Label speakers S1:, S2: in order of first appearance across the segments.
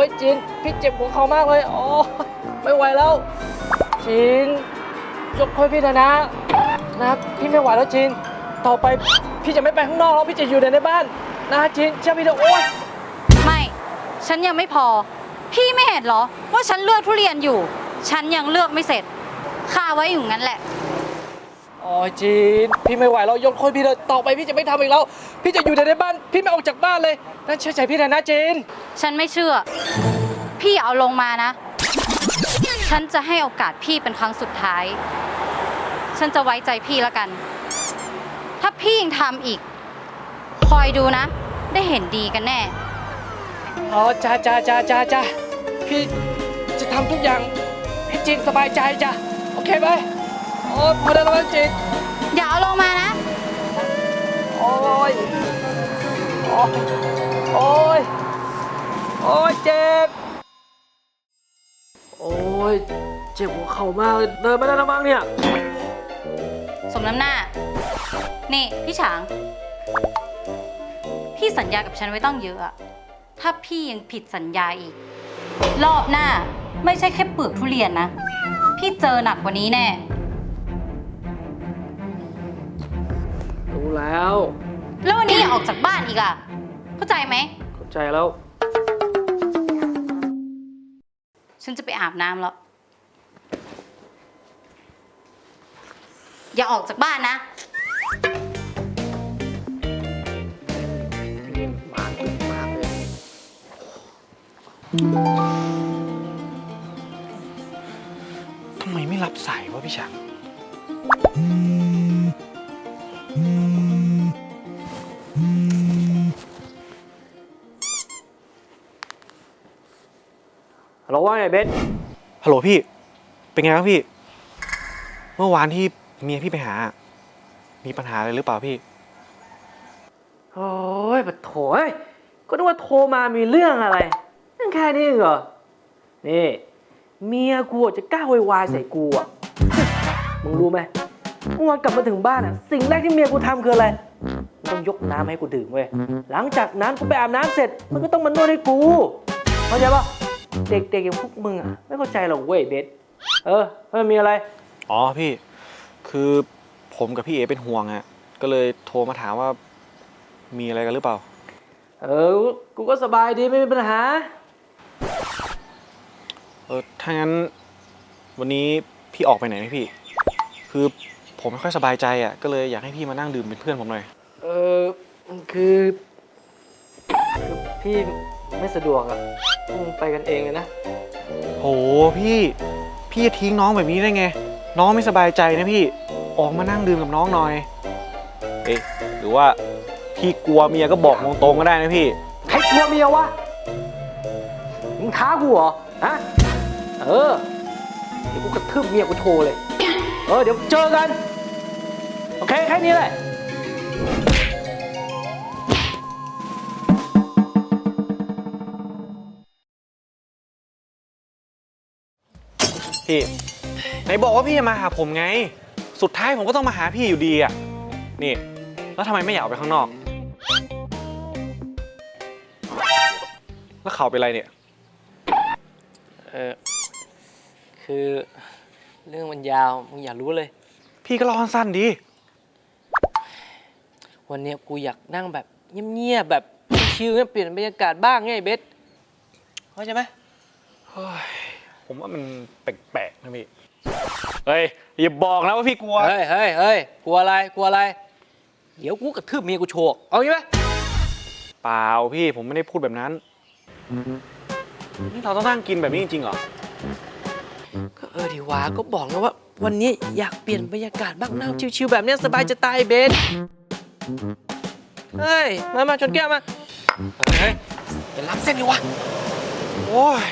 S1: ยจินพี่เจ็บหัวเข่ามากเลยโอ้ไม่ไหวแล้วจินยกโทษพี่เถอะนะพี่ไม่ไหวแล้วจินต่อไปพี่จะไม่ไปข้างนอกแล้วพี่จะอยู่ในบ้านนะจินเชื่อพี่เถอะโอ๊ย
S2: ไม่ฉันยังไม่พอพี่ไม่เห็นเหรอว่าฉันเลือกทุเรียนอยู่ฉันยังเลือกไม่เสร็จคาไว้อยู่งั้นแหละ
S1: โอ้ยจีนพี่ไม่ไหวแล้วยกโทษพี่เลยต่อไปพี่จะไม่ทำอีกแล้วพี่จะอยู่ในบ้านพี่ไม่ออกจากบ้านเลยนั่นเชื่อใจพี่นะจีน
S2: ฉันไม่เชื่อพี่เอาลงมานะฉันจะให้โอกาสพี่เป็นครั้งสุดท้ายฉันจะไว้ใจพี่แล้วกันถ้าพี่ยังทำอีกคอยดูนะได้เห็นดีกันแน่
S1: อ๋อจ้าพี่จะทำทุกอย่างให้จีนสบายใจจ้ะโอเคไหมโอ้พอได้แล้วจีน
S2: อย่าเอาลงมานะ
S1: โอ้ยโอ้ยเจ็บโอ้ยเจ็บหัวเข่ามากเลยเดินไม่ได้แล้วมั้งเนี่ย
S2: สมน้ำหน้านี่พี่ฉางพี่สัญญากับฉันไว้ตั้งเยอะอะถ้าพี่ยังผิดสัญญาอีกรอบหน้าไม่ใช่แค่เปลือกทุเรียนนะพี่เจอหนักกว่านี้แน่
S1: รู้แล้ว
S2: วันนี้อย่าออกจากบ้านอีกอะเข้าใจไหม
S1: เข้าใจแล้ว
S2: ฉันจะไปอาบน้ำแล้วอย่าออกจากบ้านนะ
S1: มากเลย
S3: ทำไมไม่รับสายวะพี่ช้าง
S1: ฮัลโหลว่าไงเบส
S3: ฮัลโหลพี่เป็นไงบ้างพี่เมื่อวานที่เมียพี่ไปหามีปัญหาอะไรหรือเปล่าพี่
S1: โอ้ยปะโถยก็นึกว่าโทรมามีเรื่องอะไรนั่นแค่นี้เหรอนี่เมียกูจะกล้าโวยวายใส่กูอ่ะมึงรู้ไหมเมื่อวานกลับมาถึงบ้านอ่ะสิ่งแรกที่เมียกูทำคืออะไรมันต้องยกน้ำให้กูดื่มเว้ยหลังจากนั้นกูไปอาบน้ำเสร็จมันก็ต้องมานวดให้กูเข้าใจปะเด็กๆอย่างพวกมึงอ่ะไม่เข้าใจหรอกเว้ยเบสมันมีอะไร
S3: อ๋อพี่คือผมกับพี่เอเป็นห่วงอ่ะก็เลยโทรมาถามว่ามีอะไรกันหรือเปล่า
S1: กูก็สบายดีไม่มีปัญหา
S3: ถ้างั้นวันนี้พี่ออกไปไหนไหมพี่คือผมไม่ค่อยสบายใจอ่ะก็เลยอยากให้พี่มานั่งดื่มเป็นเพื่อนผมหน่อย
S1: คือพี่ไม่สะดวกอ่ะไปกันเองเลยนะ
S3: โหพี่จะทิ้งน้องแบบนี้ได้ไงน้องไม่สบายใจนะพี่ออกมานั่งดื่มกับน้องหน่อยหรือว่าพี่กลัวเมียก็บอกตรงๆก็ได้นะพี่
S1: ใครกลัวเมียวะมึงท้ากูเหรอฮะเดี๋ยวกูกระทืบเมียกูโชว์เลยเดี๋ยวเจอกันโอเคแค่นี้แหละ
S3: พี่ไหนบอกว่าพี่จะมาหาผมไงสุดท้ายผมก็ต้องมาหาพี่อยู่ดีอ่ะนี่แล้วทำไมไม่อยากออกไปข้างนอกแล้วเขาเป็นไรเนี่ย
S1: คือเรื่องมันยาวมึงอย่ารู้เลย
S3: พี่ก็เล่าสั้นๆดี
S1: วันนี้กูอยากนั่งแบบเงียบๆแบบชิลๆเปลี่ยนบรรยากาศบ้างไงเบสเข้าใจไหม
S3: ผมว่ามันแปลกๆนะพี่เฮ้ยอย่าบอกนะว่าพี่กลัว
S1: เฮ้ยกลัวอะไรเดี๋ยวกูกระทืบเมียกูโชกเอางี้ไหม
S3: เปล่าพี่ผมไม่ได้พูดแบบนั้นนี่เราต้องนั่งกินแบบนี้จริงๆเหรอ
S1: ก็ดีวะก็บอกนะว่าวันนี้อยากเปลี่ยนบรรยากาศบ้างนั่งชิลๆแบบนี้สบายจะตายเบสเฮ้ยมาชนแก้วมาเฮ้ยอย่ารับเส้นดิวะ
S3: โอ้ย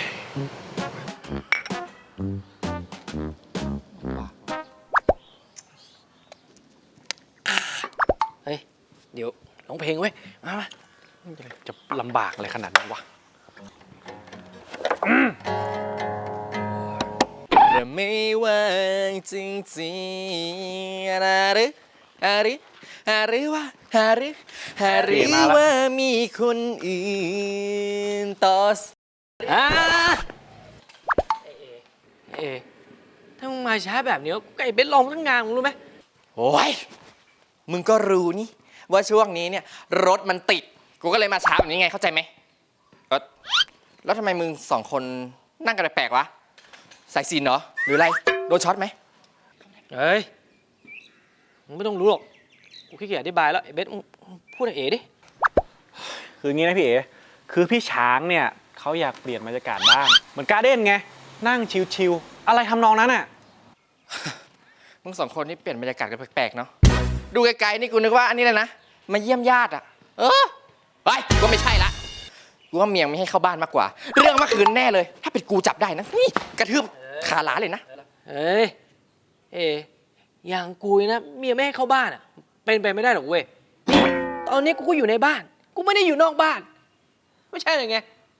S1: เฮ้ยเดี๋ยวร้องเพลงเว้ยมา
S3: จะลำบากอะไรขนาดนั้นวะ
S1: จะไม่ว่างจริงๆหรือว่ามีคนอื่นต่ออ่าเอถ้ามึงมาช้าแบบนี้ก็ไอ้เบสลองทั้งงานมึงรู้ไหม
S4: โอ้ยมึงก็รู้นี่ว่าช่วงนี้เนี่ยรถมันติดกูก็เลยมาช้าแบบนี้ไงเข้าใจไหมแล้วทำไมมึงสองคนนั่งกันแปลกๆวะสายซีนเหรอหรืออะไรโดนช็อตไหม
S1: เฮ้ยมึงไม่ต้องรู้หรอกกูขี้เกียจอธิบายแล้วไอ้เบสมึงพูดกับเอ๋ดิ
S3: คืออย่างนี้นะพี่เอ๋คือพี่ช้างเนี่ยเขาอยากเปลี่ยนบรรยากาศบ้างเหมือนการ์เด้นไงนั่งชิลๆอะไรทำนองนั้นอ่ะ
S4: มึงสองคนนี่เปลี่ยนบรรยากาศกันแปลกๆเนาะดูไกลๆนี่กูนึกว่าอันนี้เลยนะมาเยี่ยมญาติอะไปกูไม่ใช่ละกูว่าเมียงไม่ให้เข้าบ้านมากกว่า เรื่องเมื่อคืนแน่เลย ถ้าเป็นกูจับได้นะนี่กระทืบขาหลาเลยนะ
S1: เอ้ยเอ๋อย่างกูนะเมียไม่ให้เข้าบ้านอ่ะเป็นไปไม่ได้หรอกเว้ยนี่ตอนนี้กูก็อยู่ในบ้านกูไม่ได้อยู่นอกบ้าน ไม่ใช่เลยไง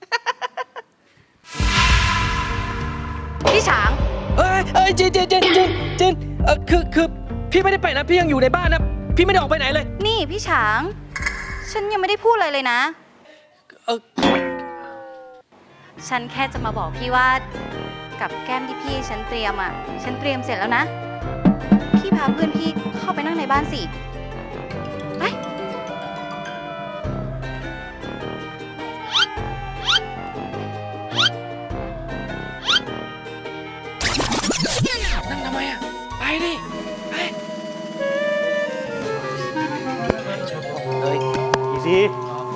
S2: พี่ฉาง
S1: เอ้ยจินคือพี่ไม่ได้ไปนะพี่ยังอยู่ในบ้านนะพี่ไม่ได้ออกไปไหนเลย
S2: นี่พี่ฉาง ฉันยังไม่ได้พูดอะไรเลยนะ
S1: เออ
S2: ฉันแค่จะมาบอกพี่ว่ากับแก้มที่พี่ฉันเตรียมอ่ะ ฉันเตรียมเสร็จแล้วนะ พี่พาเพื่อนพี่เข้าไปนั่งในบ้านสิ ไป
S1: นั่งทำไมอ่ะไปดิไปเฮ้ย
S3: อีซีโอ้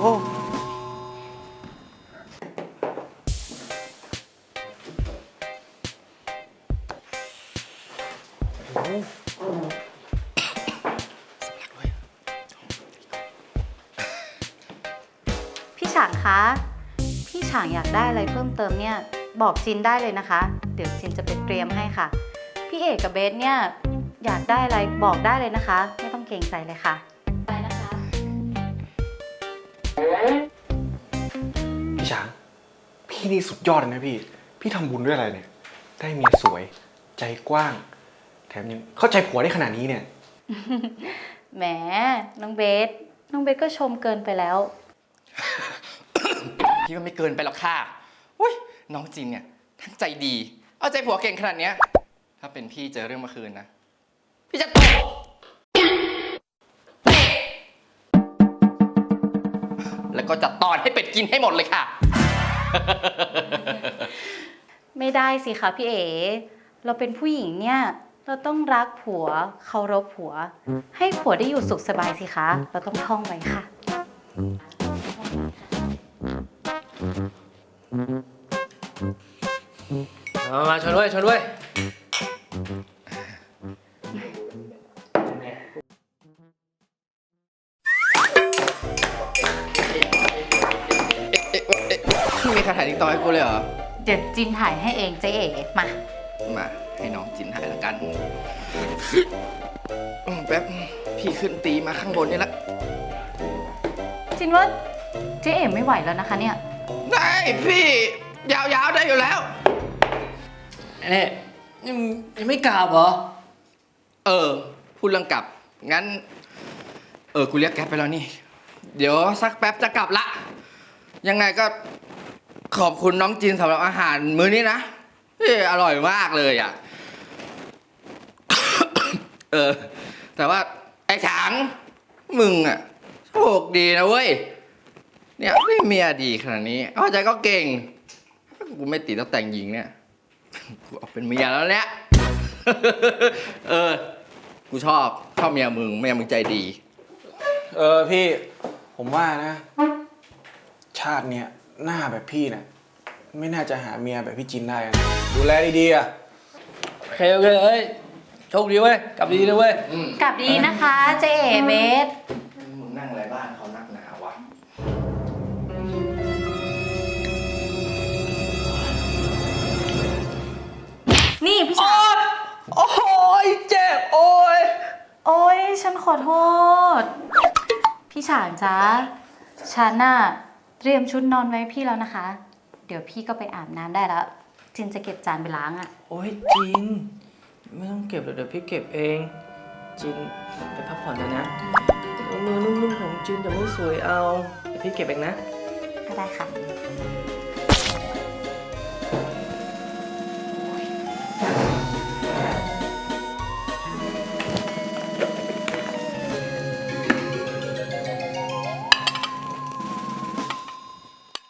S2: พี่ฉางคะ พี่ฉางอยากได้อะไรเพิ่มเติมเนี่ย บอกจินได้เลยนะคะ เดี๋ยวจินจะไปเตรียมให้ค่ะ พี่เอกกับเบสเนี่ยอยากได้อะไรบอกได้เลยนะคะ ไม่ต้องเกรงใจเลยค่ะไปนะคะ
S3: พี่ช้างพี่นี่สุดยอดเลยนะพี่ทำบุญด้วยอะไรเนี่ยได้เมียสวยใจกว้างแถมยังเข้าใจผัวได้ขนาดนี้เนี่ย
S2: แหม น้องเบส น้องเบสก็ชมเกินไปแล้ว
S4: พี่ว่าไม่เกินไปหรอกค่ะอุ้ยน้องจินเนี่ยทั้งใจดี เอาใจผัวเก่งขนาดเนี้ยถ้าเป็นพี่เจอเรื่องเมื่อคืนนะ พี่จะตบเตะแล้วก็จะตอนให้เป็ดกินให้หมดเลยค่ะ
S2: ไม่ได้สิคะพี่เอ๋ เราเป็นผู้หญิงเนี่ย เราต้องรักผัว เคารพผัว ให้ผัวได้อยู่สุขสบายสิคะ เราต้องท่องไว้ค่ะ
S1: มาชนด้วยชนด้วย
S4: มีคาถาติ๊กต๊อกให้กูเลยเหรอ
S2: เดี๋ยวจินถ่ายให้เองเจ๊เอ๋มา
S4: มาให้น้องจินหายละกันแป๊บ พี่ขึ้นตีมาข้างบนนี่ละ
S2: จินว่าเจ๊เอ๋ไม่ไหวแล้วนะคะเนี่ย
S4: ได้พี่ ยาวๆได้อยู่แล้ว
S1: เนี่ยยังไม่กราบเหรอ
S4: พูดเรื่องกลับ งั้น กูเรียกแก๊ปไปแล้วนี่ เดี๋ยวสักแป๊บจะกลับละ ยังไงก็ขอบคุณน้องจินสำหรับอาหารมื้อนี้นะอร่อยมากเลยอ่ะ แต่ว่าไอ้ฉางมึงอ่ะโชคดีนะเว้ย เนี่ยไม่เมียดีขนาดนี้เอาใจก็เก่ง กูไม่ติดตั้งแต่งหญิงเนี่ย กูเอาเป็นเมียแล้วเนี่ย กูชอบเมียมึงใจดี
S3: พี่ผมว่านะ ชาติเนี่ยหน้าแบบพี่เนี่ยไม่น่าจะหาเมียแบบพี่จินได้นะดูแลดีๆอ่ะ
S1: โอเคเอ้ยโชคดีเว้ยกลับดีนะเว้ย
S2: กลับดีนะคะเจ๊เอ๋เบส
S4: มึงนั่งอะไรบ้านเขานักหนาวะ
S2: นี่พี่ฉาง
S1: โอ้ยเจ็บโอ้ย
S2: โอ๊ย ฉันขอโทษ พี่ฉางจ๊ะ ฉันน่ะเตรียมชุดนอนไว้ให้พี่แล้วนะคะ เดี๋ยวพี่ก็ไปอาบน้ำได้แล้ว จินจะเก็บจานไปล้างอ่ะ
S1: โอ้ยจินไม่ต้องเก็บหรอกเดี๋ยวพี่เก็บเองจินไปพักผ่อนเถอะนะมือนุ่มๆของจินจะไม่สวยเอาเดี๋ยวพี่เก็บเองนะ
S2: ก็ได้ค่ะ